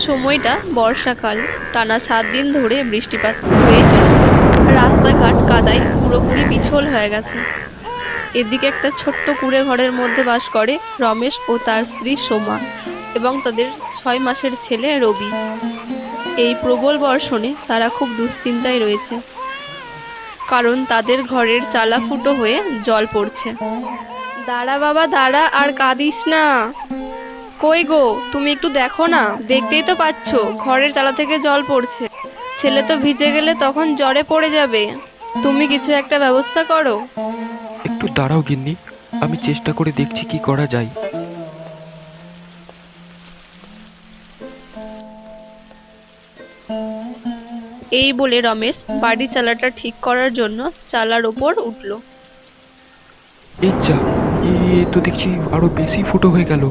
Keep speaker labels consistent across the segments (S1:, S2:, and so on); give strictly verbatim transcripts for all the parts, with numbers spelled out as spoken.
S1: সময়টা বর্ষাকাল। টানা সাত দিন ধরে বৃষ্টিপাত হয়ে চলেছে। রাস্তাঘাট কাদায় পুরোপুরি পিছল হয়ে গেছে। এদিকে একটা ছোট্ট কুঁড়ে ঘরের মধ্যে বাস করে রমেশ ও তার স্ত্রী সোমা এবং তাদের ছয় মাসের ছেলে রবি। এই প্রবল বর্ষণে তারা খুব দুশ্চিন্তায় রয়েছে, কারণ তাদের ঘরের চালা ফুটো হয়ে জল পড়ছে। দাঁড়া বাবা দাঁড়া, আর কাঁদিস না। কই গো, তুমি একটু দেখো না, দেখতেই তো পাচ্ছ ঘরের চালা থেকে জল পড়ছে। ছেলে তো ভিজে গেলে তখন জ্বরে পড়ে যাবে। তুমি কিছু একটা ব্যবস্থা করো।
S2: একটু দাঁড়াও গিন্নি, আমি চেষ্টা করে দেখছি কি করা যায়।
S1: এই বলে রমেশ বাড়ির চালাটা ঠিক করার জন্য চালার ওপর উঠল।
S2: এই যা, এ তো দেখছি আরো বেশি ফুটো হয়ে গেল।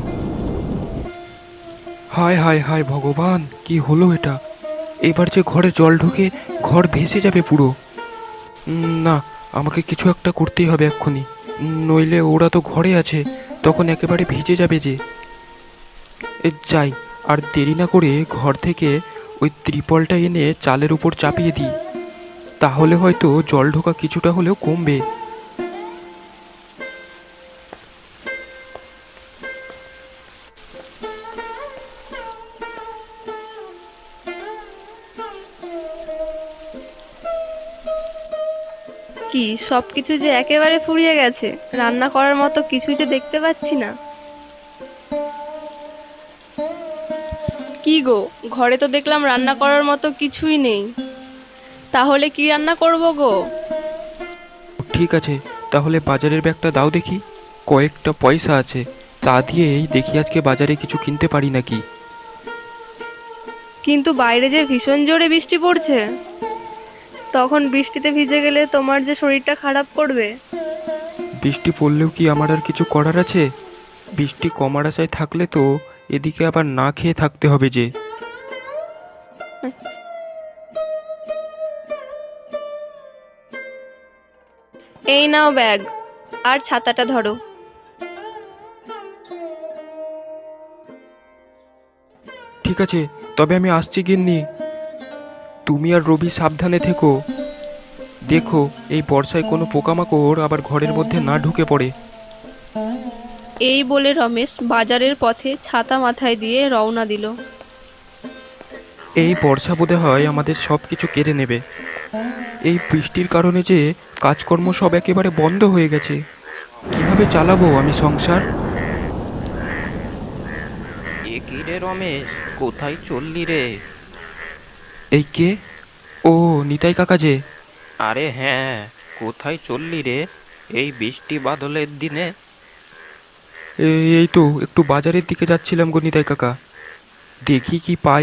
S2: হায় হায় হায় ভগবান, কি হলো এটা? এবার যে ঘরে জল ঢুকে ঘর ভেসে যাবে পুরো। উম, না, আমাকে কিছু একটা করতেই হবে এক্ষুনি, উম, নইলে ওরা তো ঘরে আছে, তখন একেবারে ভিজে যাবে যে। এ যাই, আর দেরি না করে ঘর থেকে ওই ত্রিপলটা এনে চালের উপর চাপিয়ে দিই, তাহলে হয়তো জল ঢোকা কিছুটা হলেও কমবে।
S1: কি সবকিছু যে একেবারে ফুরিয়ে গেছে, রান্না করার মতো কিছুই যে দেখতে পাচ্ছি না। কি গো, ঘরে তো দেখলাম রান্না করার মতো কিছুই নেই, তাহলে কি রান্না করব গো?
S2: ঠিক আছে, তাহলে বাজারের ব্যাগটা দাও দেখি, কয়েকটা পয়সা আছে, তা দিয়েই দেখি আজকে বাজারে কিছু কিনতে পারি নাকি।
S1: কিন্তু বাইরে যে ভীষণ জোরে বৃষ্টি পড়ছে, তখন বৃষ্টিতে ভিজে গেলে তোমার যে শরীরটা খারাপ করবে।
S2: বৃষ্টি পড়লেও কি আমার আর কিছু করার আছে? বৃষ্টি কমার আশায় থাকলে তো এদিকে আবার না খেয়ে থাকতে হবে যে।
S1: এই নাও ব্যাগ, আর ছাতাটা ধরো।
S2: ঠিক আছে, তবে আমি আসছি গিন্নি। তুমি আর রবি সাবধানে থেকো। দেখো এই বর্ষায় কোনো পোকামাকড় আবার ঘরের মধ্যে না ঢুকে পড়ে।
S1: এই বলে রমেশ বাজারের পথে ছাতা মাথায় দিয়ে রওনা দিল।
S2: এই বর্ষা বোধ হয় আমাদের সব কিছু কেড়ে নেবে। এই বৃষ্টির কারণে যে কাজকর্ম সব একেবারে বন্ধ হয়ে গেছে, কিভাবে চালাবো আমি সংসার?
S3: এ কি রে রমেশ, কোথায় চললি রে?
S2: এই কে? ও নিতাই কাকা যে।
S3: আরে হ্যাঁ, কোথায় চললি রে এই বৃষ্টি বাদলের দিনে?
S2: এ- এই তো একটু বাজারের দিকে যাচ্ছিলাম গো নিতাই কাকা, দেখি কি পাই।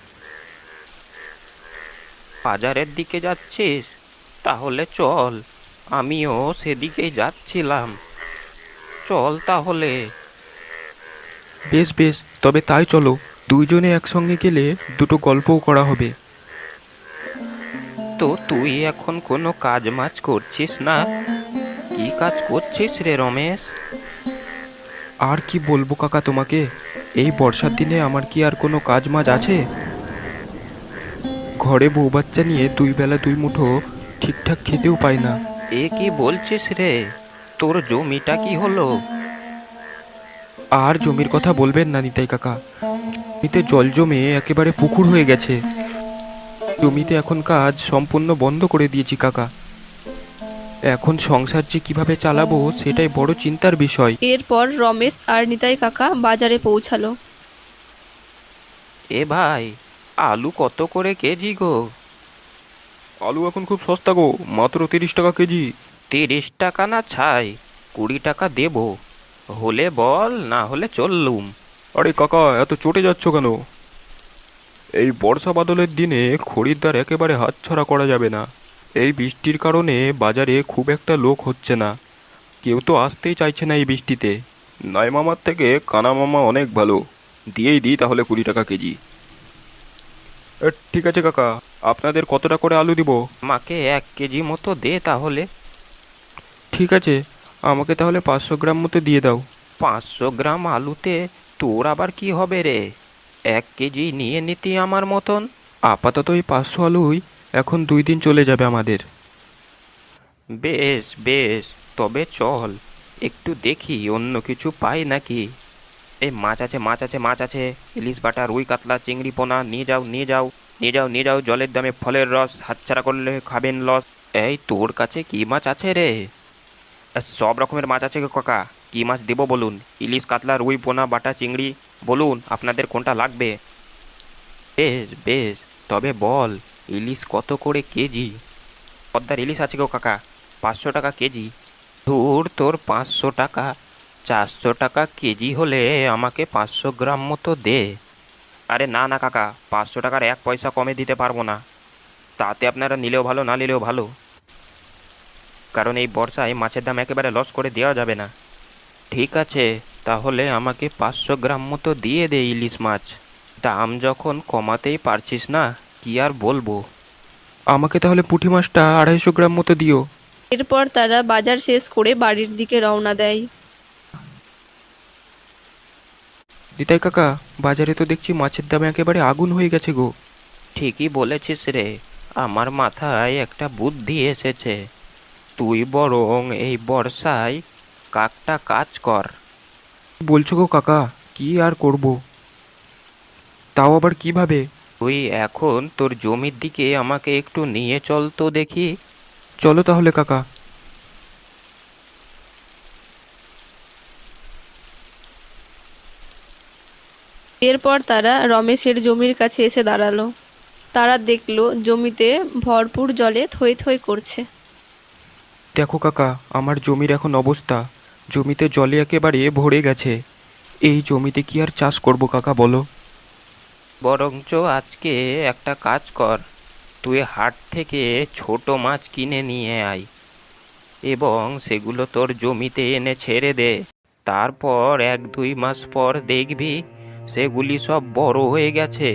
S3: বাজারের দিকে যাচ্ছিস? তাহলে চল, আমিও সেদিকেই যাচ্ছিলাম। চল তাহলে।
S2: বেশ বেশ, তবে তাই চলো, দুইজনে একসঙ্গে গেলে দুটো গল্পও করা হবে।
S3: তো তুই এখন কোনো কাজ মাজ করছিস না? কি কাজ করছিস রে রমেশ?
S2: আর কি বলবো কাকা তোমাকে, এই বর্ষার দিনে আমার কি আর কোনো কাজ মাজ আছে? ঘরে বউ বাচ্চা নিয়ে দুই বেলা দুই মুঠো ঠিকঠাক খেতেও পাই না।
S3: এ কি বলছিস রে? তোর জমিটা কি হলো?
S2: আর জমির কথা বলবেন না নিতাই কাকা, জমিতে জল জমে একেবারে পুকুর হয়ে গেছে। জমিতে এখন কাজ সম্পূর্ণ বন্ধ করে দিয়েছি কাকা। এখন সংসার যে কিভাবে চালাবো সেটাই বড় চিন্তার বিষয়।
S1: এরপর রমেশ আর নিতাই কাকা বাজারে পৌঁছালো।
S3: এ ভাই, আলু কত করে কেজি গো?
S2: আলু এখন খুব সস্তা গো, মাত্র তিরিশ টাকা কেজি।
S3: তিরিশ টাকা না ছাই, কুড়ি টাকা দেব, হলে বল, না হলে চললুম।
S2: আরে কাকা, এত চটে যাচ্ছ কেন? এই বর্ষা বাদলের দিনে খরিদ্দার একেবারে হাতছাড়া করা যাবে না। এই বৃষ্টির কারণে বাজারে খুব একটা লোক হচ্ছে না, কেউ তো আসতেই চাইছে না এই বৃষ্টিতে। নয় মামার থেকে কানা মামা অনেক ভালো, দিয়েই দিই তাহলে কুড়ি টাকা কেজি। এ, ঠিক আছে কাকা, আপনাদের কতটা করে আলু দিব?
S3: আমাকে এক কেজি মতো দে তাহলে।
S2: ঠিক আছে, আমাকে তাহলে পাঁচশো গ্রাম মতো দিয়ে দাও।
S3: পাঁচশো গ্রাম আলুতে তোর আবার কি হবে রে? এক কেজি নিয়ে নিতি আমার মতন।
S2: আপাতত এই পাঁচশো আলুই এখন দুই দিন চলে যাবে আমাদের।
S3: বেশ বেশ, তবে চল একটু দেখি অন্য কিছু পাই নাকি। এই মাছ আছে, মাছ আছে, মাছ আছে, ইলিশ বাটা, রুই কাতলা, চিংড়ি পোনা, নিয়ে যাও নিয়ে যাও নিয়ে যাও নিয়ে যাও। জলের দামে ফলের রস, হাতছাড়া করলে খাবেন লস। এই তোর কাছে কি মাছ আছে রে? আহ, সব রকমের মাছ আছে গো কাকা, কি মাছ দেবো বলুন? ইলিশ, কাতলা, রুই, পোনা, বাটা, চিংড়ি, বলুন আপনাদের কোনটা লাগবে। বেশ বেশ, তবে বল ইলিশ কত করে কেজি? পদ্মার ইলিশ আছে গো কাকা, পাঁচশো টাকা কেজি। ধুর তোর পাঁচশো টাকা, চারশো টাকা কেজি হলে আমাকে পাঁচশো গ্রাম মতো দে। আরে না না কাকা, পাঁচশো টাকার এক পয়সা কমে দিতে পারবো না। তাতে আপনারা নিলেও ভালো, না নিলেও ভালো, কারণ এই বর্ষায় মাছের দাম একেবারে লস করে দেওয়া যাবে না। ঠিক আছে, তাহলে আমাকে পাঁচশো গ্রাম মতো দিয়ে দে ইলিশ মাছ। দাম যখন কমাতেই পারছিস না, কি আর বলবো।
S2: আমাকে তাহলে পুঁটি মাছটা আড়াইশো গ্রাম মতো দিও।
S1: এরপর তারা বাজার শেষ করে বাড়ির দিকে রওনা দেয়।
S2: নিতাই কাকা, বাজারে তো দেখছি মাছের দাম একেবারে আগুন হয়ে গেছে গো।
S3: ঠিকই বলেছিস রে, আমার মাথায় একটা বুদ্ধি এসেছে। তুই বরং এই বর্ষায় কাকটা কাজ কর।
S2: বলছো গো কাকা, কি আর করব? তাও আবার কিভাবে?
S3: তুই এখন তোর জমির দিকে আমাকে একটু নিয়ে চল তো দেখি।
S2: চলো তাহলে কাকা।
S1: এরপর তারা রমেশের জমির কাছে এসে দাঁড়ালো। তারা দেখলো জমিতে ভরপুর জলে থই থই করছে।
S2: দেখো কাকা, আমার জমির এখন অবস্থা, জমিতে জলে একেবারে ভরে গেছে। এই জমিতে কি আর চাষ করব কাকা বলো?
S3: বরঞ্চ আজকে একটা কাজ কর, তুই হাট থেকে ছোট মাছ কিনে নিয়ে আয় এবং সেগুলো তোর জমিতে এনে ছেড়ে দে। তারপর এক দুই মাস পর দেখবি সেগুলি সব বড় হয়ে গেছে।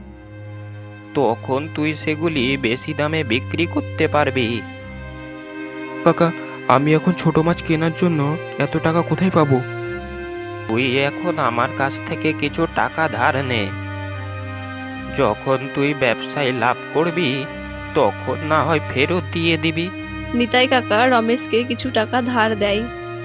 S3: তখন তুই সেগুলি বেশি দামে বিক্রি করতে পারবি।
S2: কাকা, আমি এখন ছোট মাছ কেনার জন্য এত টাকা কোথায় পাবো?
S3: তুই এখন আমার কাছ থেকে কিছু টাকা ধার নে। যখন তুই ব্যবসায় লাভ করবি তখন না হয় ফেরত দিয়ে দিবি।
S1: নিতাই কাকা রমেশকে কিছু টাকা ধার দেয়।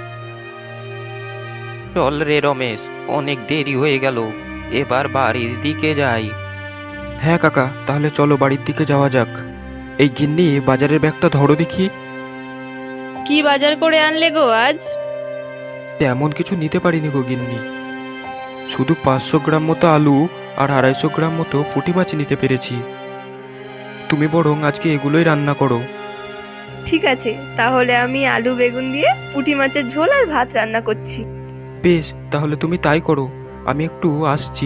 S3: চল রে রমেশ, অনেক দেরি হয়ে গেল, এবার বাড়ির দিকে যাই।
S2: হ্যাঁ কাকা, তাহলে চলো বাড়ির দিকে যাওয়া যাক। এই গিন্নি, বাজারের ব্যাগটা ধরো দেখি।
S1: কি বাজার করে আনলে গো আজ?
S2: তেমন কিছু নিতে পারিনি গো গিন্নি, শুধু পাঁচশো গ্রাম মতো আলু আর আড়াইশো গ্রাম মতো পুঁটি মাছ নিতে পেরেছি। তুমি বরং আজকে এগুলোই রান্না করো।
S1: ঠিক আছে, তাহলে আমি আলু বেগুন দিয়ে পুঁটি মাছের ঝোল আর ভাত রান্না করছি।
S2: বেশ, তাহলে তুমি তাই করো, আমি একটু আসছি।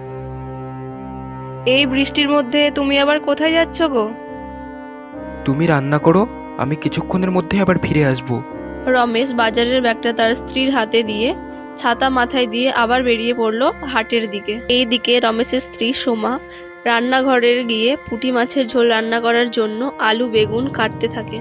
S1: এই বৃষ্টির মধ্যে তুমি আবার কোথায় যাচ্ছ গো?
S2: তুমি রান্না করো, আমি কিছুক্ষণের মধ্যে আবার ফিরে আসবো।
S1: রমেশ বাজারের ব্যাগটা তার স্ত্রীর হাতে দিয়ে ছাতা মাথায় দিয়ে আবার বেরিয়ে পড়লো হাটের দিকে। এইদিকে রমেশের স্ত্রী সোমা রান্নাঘরে গিয়ে পুঁটি মাছের ঝোল রান্না করার জন্য আলু বেগুন কাটতে থাকে।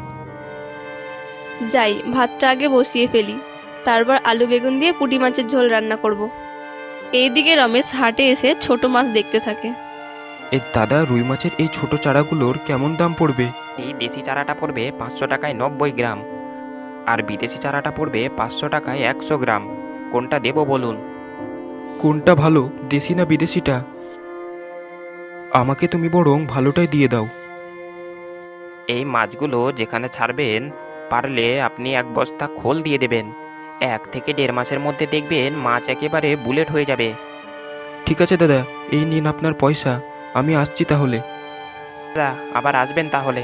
S1: যাই, ভাতটা আগে বসিয়ে ফেলি, তারপর আলু বেগুন দিয়ে পুঁটি মাছের ঝোল রান্না করব। এইদিকে রমেশ হাটে এসে ছোট মাছ দেখতে থাকে।
S2: এই দাদা, রুই মাছের এই ছোট চারাগুলোর কেমন দাম পড়বে?
S3: এই দেশি চারাটা পড়বে পাঁচশো টাকায় নব্বই গ্রাম, আর বিদেশি চারাটা পড়বে পাঁচশো টাকায় একশো গ্রাম। কোনটা দেবো বলুন?
S2: কোনটা ভালো, দেশি না বিদেশিটা? আমাকে তুমি বরং ভালোটাই দিয়ে দাও।
S3: এই মাছগুলো যেখানে ছাড়বেন, পারলে আপনি এক বস্তা খোল দিয়ে দেবেন। এক থেকে দেড় মাসের মধ্যে দেখবেন মাছ একেবারে বুলেট হয়ে যাবে।
S2: ঠিক আছে দাদা, এই নিন আপনার পয়সা, আমি আসছি তাহলে।
S3: দাদা, আবার আসবেন তাহলে।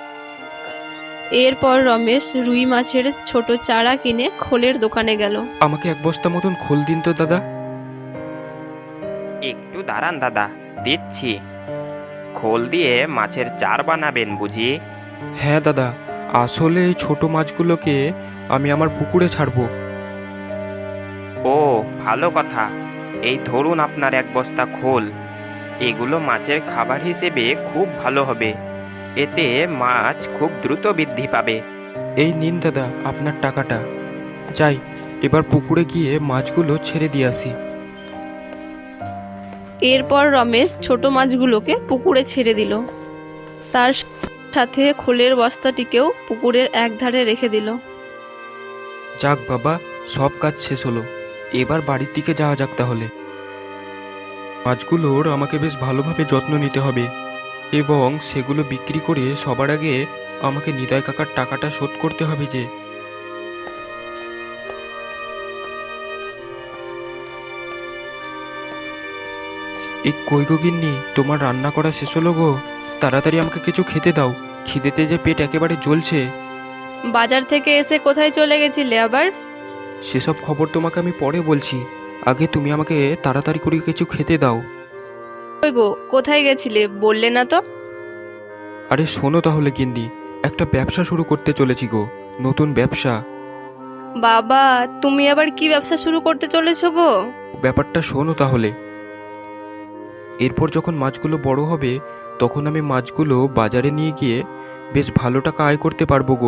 S1: এরপর রমেশ রুই মাছের ছোট চারা কিনে খোলের দোকানে গেল।
S2: আমাকে এক বস্তা মতন খোল দিন তো দাদা।
S3: একটু দাঁড়ান দাদা, দিচ্ছি। খোল দিয়ে মাছের চার বানাবেন বুঝি?
S2: হ্যাঁ দাদা, আসলে এই ছোট মাছগুলোকে আমি আমার পুকুরে ছাড়বো।
S3: ও, ভালো কথা। এই ধরুন আপনার এক বস্তা খোল। এগুলো মাছের খাবার হিসেবে খুব ভালো হবে, এতে মাছ খুব দ্রুত বৃদ্ধি পাবে।
S2: এই নিন দাদা আপনার টাকাটা। যাই, এবার পুকুরে গিয়ে মাছগুলো ছেড়ে দিয়ে আসি।
S1: এরপর রমেশ ছোট মাছগুলোকে পুকুরে ছেড়ে দিল। তার সাথে খোলের বস্তাটিকেও পুকুরের একধারে রেখে দিল।
S2: যাক বাবা, সব কাজ শেষ হলো, এবার বাড়ির দিকে যাওয়া যাক তাহলে। মাছগুলোর আমাকে বেশ ভালোভাবে যত্ন নিতে হবে এবং সেগুলো বিক্রি করে সবার আগে আমাকে নিতাই কাকার টাকাটা শোধ করতে হবে যে। এই কই গো গিন্নি, তোমার রান্না করা শেষ হলো গো? তাড়াতাড়ি আমাকে কিছু খেতে দাও, খিদেতে যে পেট একেবারে জ্বলছে।
S1: বাজার থেকে এসে কোথায় চলে গেছিলে আবার?
S2: সেসব খবর তোমাকে আমি পরে বলছি, আগে তুমি আমাকে তাড়াতাড়ি করে কিছু খেতে দাও।
S1: কই গো, কোথায় গেছিলে বললে না তো?
S2: আরে শোনো তাহলে গিন্নি, একটা ব্যবসা শুরু করতে চলেছি গো, নতুন ব্যবসা।
S1: বাবা, তুমি আবার কি ব্যবসা শুরু করতে চলেছো গো?
S2: ব্যাপারটা শোনো তাহলে। এরপর যখন মাছগুলো বড় হবে তখন আমি মাছগুলো বাজারে নিয়ে গিয়ে বেশ ভালো টাকা আয় করতে পারবো গো।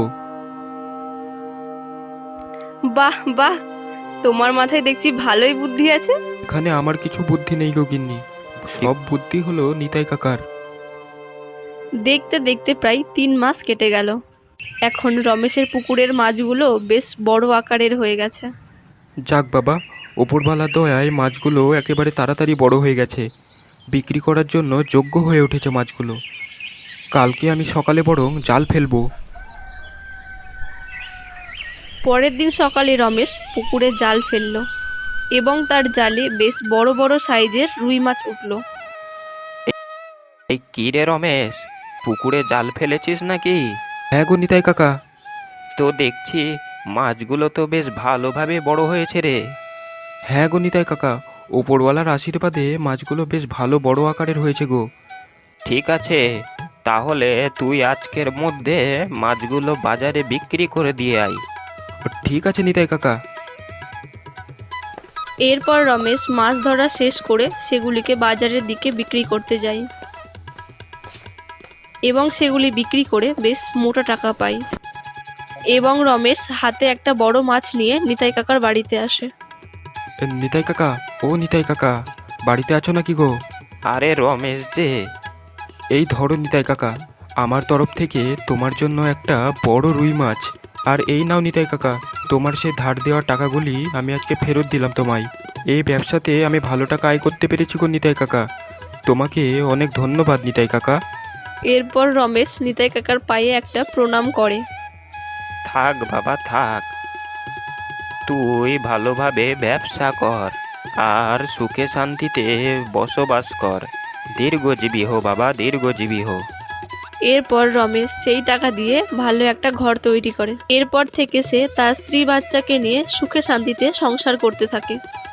S1: বাহ বাহ, তোমার মাথায় দেখছি ভালোই বুদ্ধি আছে।
S2: এখানে আমার কিছু বুদ্ধি নেই গো গিন্নি, সব বুদ্ধি হলো নিতাই কাকার।
S1: দেখতে দেখতে প্রায় তিন মাস কেটে গেল। এখন রমেশের পুকুরের মাছগুলো বেশ বড় আকারের হয়ে গেছে।
S2: যাক বাবা, ওপরওয়ালা দয়ায় মাছগুলো একেবারে তাড়াতাড়ি বড় হয়ে গেছে, বিক্রি করার জন্য যোগ্য হয়ে উঠেছে মাছগুলো। কালকে আমি সকালে বরং জাল ফেলবো।
S1: পরের দিন সকালে রমেশ পুকুরে জাল ফেললো এবং তার জালে বেশ বড় বড় সাইজের রুই মাছ উঠল।
S3: এই কি রে রমেশ, পুকুরে জাল ফেলেছিস নাকি?
S2: হ্যাঁ গো নিতাই কাকা।
S3: তো দেখছি মাছগুলো তো বেশ ভালোভাবে বড় হয়েছে রে।
S2: হ্যাঁ গো নিতাই কাকা, ওপরওয়ালার আশীর্বাদে মাছগুলো বেশ ভালো বড় আকারের হয়েছে গো।
S3: ঠিক আছে, তাহলে তুই আজকের মধ্যে মাছগুলো বাজারে বিক্রি করে দিয়ে আয়।
S2: ঠিক আছে নিতাই কাকা।
S1: এরপর রমেশ মাছ ধরা শেষ করে সেগুলিকে বাজারের দিকে বিক্রি করতে যায় এবং সেগুলি বিক্রি করে বেশ মোটা টাকা পায়। এবং রমেশ হাতে একটা বড় মাছ নিয়ে নিতাই কাকার বাড়িতে আসে।
S2: এ, নিতাই কাকা, ও নিতাই কাকা, বাড়িতে আছো নাকি গো?
S3: আরে রমেশ যে,
S2: এই ধরো নিতাই কাকা, আমার তরফ থেকে তোমার জন্য একটা বড় রুই মাছ। আর এই নাও নিতাই কাকা, তোমার সে ধার দেওয়া টাকাগুলি আমি আজকে ফেরত দিলাম তোমায়। এই ব্যবসাতে আমি ভালো টাকা আয় করতে পেরেছি গো নিতাই কাকা, তোমাকে অনেক ধন্যবাদ নিতাই কাকা।
S1: এরপর রমেশ নিতাই কাকার পায়ে একটা প্রণাম করে।
S3: থাক বাবা থাক, তুই ভালোভাবে ব্যবসা কর আর সুখে শান্তিতে বসবাস কর। দীর্ঘজীবী হো বাবা, দীর্ঘজীবী হো।
S1: এরপর রমেশ সেই টাকা দিয়ে ভালো একটা ঘর তৈরি করে। এরপর থেকে সে তার স্ত্রী বাচ্চাকে নিয়ে সুখে শান্তিতে সংসার করতে থাকে।